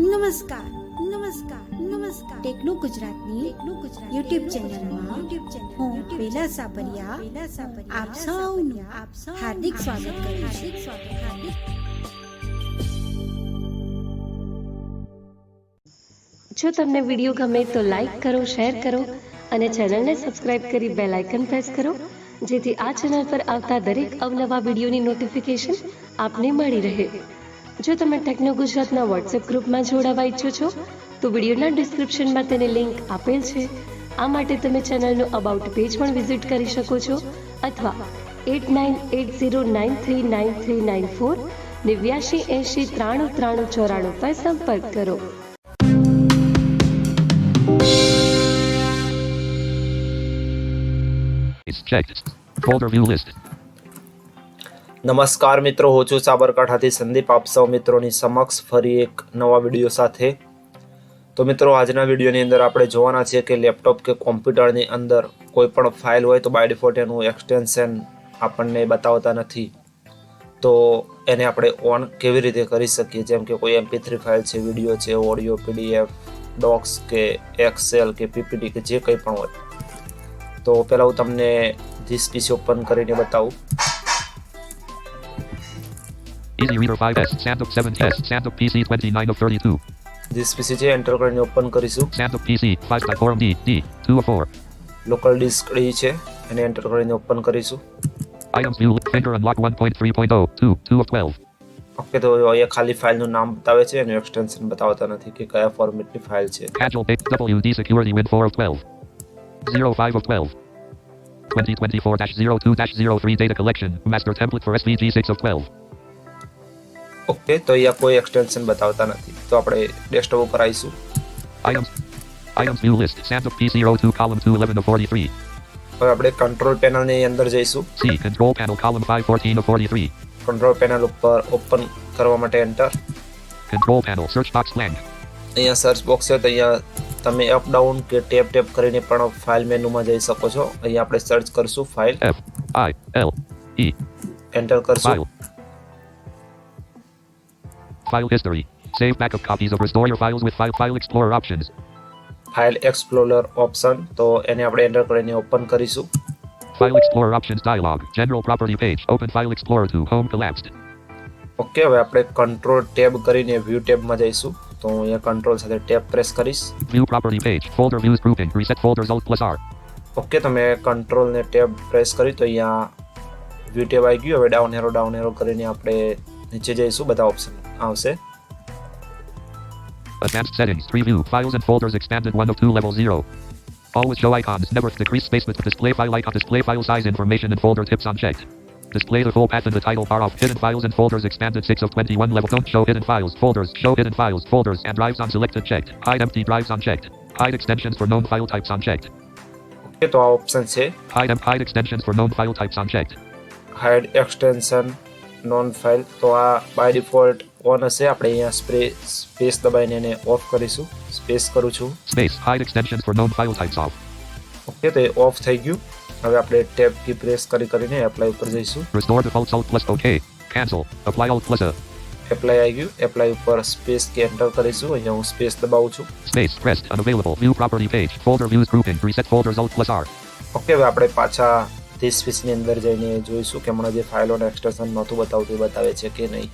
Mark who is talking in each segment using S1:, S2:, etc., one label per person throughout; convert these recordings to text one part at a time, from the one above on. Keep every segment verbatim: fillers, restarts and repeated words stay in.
S1: નમસ્કાર નમસ્કાર નમસ્કાર ટેકનો ગુજરાતની ટેકનો ગુજરાત યુટ્યુબ ચેનલમાં યુટ્યુબ ચેનલ હું પેલા સાબરિયા પેલા સાબરિયા આપ સૌનું આપ સૌ હાર્દિક સ્વાગત કરું હાર્દિક સ્વાગત હાર્દિક
S2: જો તમને વિડીયો ગમે તો લાઈક કરો, શેર કરો અને ચેનલને સબસ્ક્રાઇબ કરી બેલ આઇકન પ્રેસ કરો જેથી આ ચેનલ પર આવતા દરેક અવનવા વિડીયોની નોટિફિકેશન આપને મળી રહે. જો તમે ટેકનો ગુજરાતના વોટ્સએપ ગ્રુપમાં જોડાવા ઈચ્છો છો તો વિડીયોના ડિસ્ક્રિપ્શનમાં તેની લિંક આપેલ છે. આ માટે તમે ચેનલનું અબાઉટ પેજ પણ વિઝિટ કરી શકો છો અથવા eight nine eight zero nine three nine three nine four નેવ્યાશી એંશી ત્રાણું ત્રાણું ચોરાણું પર સંપર્ક કરો.
S3: Checked. Folder view list.
S4: નમસ્કાર મિત્રો, હું છું સાબરકાંઠાથી સંદીપ. આપ સૌ મિત્રોની સમક્ષ ફરી એક નવા વિડીયો સાથે. તો મિત્રો, આજના વિડીયોની અંદર આપણે જોવાના છીએ કે લેપટોપ કે કોમ્પ્યુટરની અંદર કોઈ પણ ફાઇલ હોય તો બાય ડિફોલ્ટ એનું એક્સટેન્શન આપણને બતાવતા નથી, તો એને આપણે ઓન કેવી રીતે કરી શકીએ. જેમ કે કોઈ એમપી થ્રી ફાઇલ છે, વિડીયો છે, ઓડિયો, પીડીએફ, ડોક્સ કે એક્સેલ કે પીપીટી કે જે કંઈ પણ હોય. તો પહેલાં હું તમને ધીસ પીસી ઓપન કરીને બતાવું.
S3: Easy Reader five S, SandUp seven S, SandUp P C twenty-nine of thirty-two.
S4: This PC છે, એન્ટર કરીને ઓપન કરીશું.
S3: SandUp P C five by forum D, D, two of four.
S4: Local disk D છે, એને enter કરીને open કરીશું.
S3: Items view, finger unlock one point three point zero, two, two of twelve.
S4: Okay, તો અહીંયા ખાલી ફાઇલનું નામ બતાવે છે, એનું એક્સટેન્શન બતાવતા નથી કે કયા ફોર્મેટની ફાઇલ છે.
S3: Agile Base W D Security Win four of twelve. zero five of twelve. twenty twenty-four dash zero two dash zero three Data Collection, Master Template for S V G six of twelve.
S4: Okay, તો અહીંયા કોઈ extension બતાવતા નથી, તો આપણે desktop ઉપર આવીશું.
S3: Items Items view list, SandUp P C zero two column two eleven of forty-three.
S4: હવે આપણે કંટ્રોલ પેનલની અંદર જઈશું.
S3: C control panel column five fourteen of forty-three.
S4: Control panel ઉપર ઓપન કરવા માટે enter.
S3: Control panel search box blank.
S4: અહીંયા search box છે, તો અહીંયા તમે અપ ડાઉન કે ટેપ ટેપ કરીને પણ ફાઇલ મેનુમાં જઈ શકો છો. અહીંયા આપણે સર્ચ કરશું file,
S3: F I L E.
S4: Enter કરશું.
S3: File. File history. Save backup copies of restore your files with file file explorer options.
S4: File explorer option, તો એને આપણે એન્ટર કરીને ઓપન કરીશું.
S3: File explorer options dialog. General property page. Open file explorer to home collapsed.
S4: Okay, હવે આપણે control tab કરીને view ટેબમાં જઈશું. તો હું અહીંયા કંટ્રોલ સાથે ટેબ પ્રેસ કરીશ.
S3: View property page. Folder views grouping. Reset folders alt plus R.
S4: Okay, તમે કંટ્રોલ ને ટેબ પ્રેસ કરી તો અહીંયા વ્યૂ ટેબ આવી ગયું. હવે ડાઉન એરો ડાઉન એરો કરીને આપણે નીચે જઈશું, બધા ઓપ્શન આવશે.
S3: Advanced settings. Preview. Files and folders expanded one of two level zero. Always show icons. Never decrease space with display file icon. Display file size information and folder tips unchecked. Display the full path in the title bar off. Hidden files and folders expanded six of twenty-one level. Don't show hidden files, folders. Show hidden files, folders and drives unselected checked. Hide empty drives unchecked. Hide extensions for known file types unchecked.
S4: Okay, તો આ option છે.
S3: Hide em- hide extensions for known file types unchecked.
S4: Hide extension known file, તો આ by default on હશે. આપણે અહીંયા spray space દબાઈને એને of કરીશું. સ્પેસ કરું છું.
S3: Space. Hide extensions for known file types off.
S4: Okay, તો એ ઓફ થઈ ગયું. હવે આપણે ટેબ કી પ્રેસ કરી કરીને એપ્લાય ઉપર જઈશું.
S3: Restore defaults alt plus OK. Cancel. Apply alt plus A.
S4: Apply આવી ગયું. એપ્લાય ઉપર સ્પેસ કી એન્ટર કરીશું. અહીંયા હું સ્પેસ દબાવું છું.
S3: Space. Pressed. Unavailable. View property page. Folder views grouping. Reset folders alt plus R.
S4: Okay, હવે આપણે પાછા ધીસ પીસીની અંદર જઈને જોઈશું કે હમણાં જે ફાઇલોનું એક્સટેન્શન નહોતું બતાવતું એ બતાવે છે કે નહીં.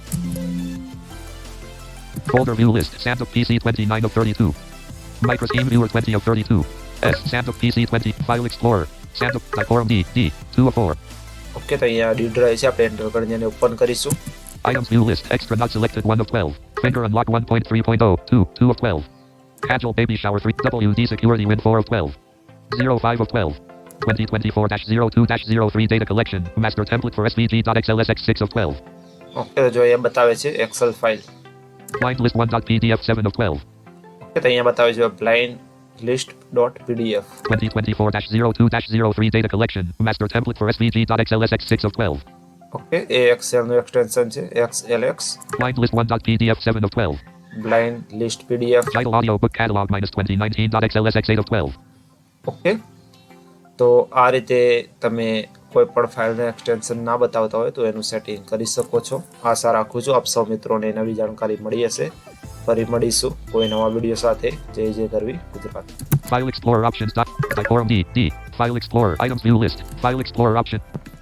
S3: Folder view list. SandUp P C twenty-nine of thirty-two. Microscheme viewer twenty of thirty-two. S. SandUp P C twenty. File explorer. SandUp by forum D, D, two of four.
S4: Okay, તો અહીંયા D drive છે, આપણે enter કરીને એને open કરીશું.
S3: Items view list. Extra not selected one of twelve. Finger unlock one point three point zero, two, two of twelve. Agile baby shower three. W D security win four of twelve. zero five of twelve. twenty twenty-four dash zero two dash zero three data collection. Master template for S V G dot X L S X six of twelve.
S4: Okay, તો જો અહીંયા બતાવે છે excel file.
S3: Blind list one dot P D F seven of twelve.
S4: Okay, તો અહીંયા બતાવે છે blind list dot PDF.
S3: twenty twenty-four dash zero two dash zero three data collection. Master template for S V G dot X L S X six of twelve.
S4: Okay, એ એક્સેલનું extension છે XLSX.
S3: Blind list one dot P D F seven of twelve.
S4: Blind list PDF.
S3: Title audio book catalog minus twenty nineteen dot X L S X eight of twelve.
S4: Okay, તો આ રીતે તમે કોઈ પણ ફાઇલનું extension ના બતાવતા હોય તો એનું સેટિંગ કરી શકો છો. આશા રાખું છું આપ સૌ મિત્રોને નવી જાણકારી મળી હશે. ફરી મળીશું કોઈ નવા વિડીયો સાથે. જય જય ગરવી Gujarat.
S3: File Explorer options. Dot. Type D. D. File Explorer. Items view list. File Explorer option.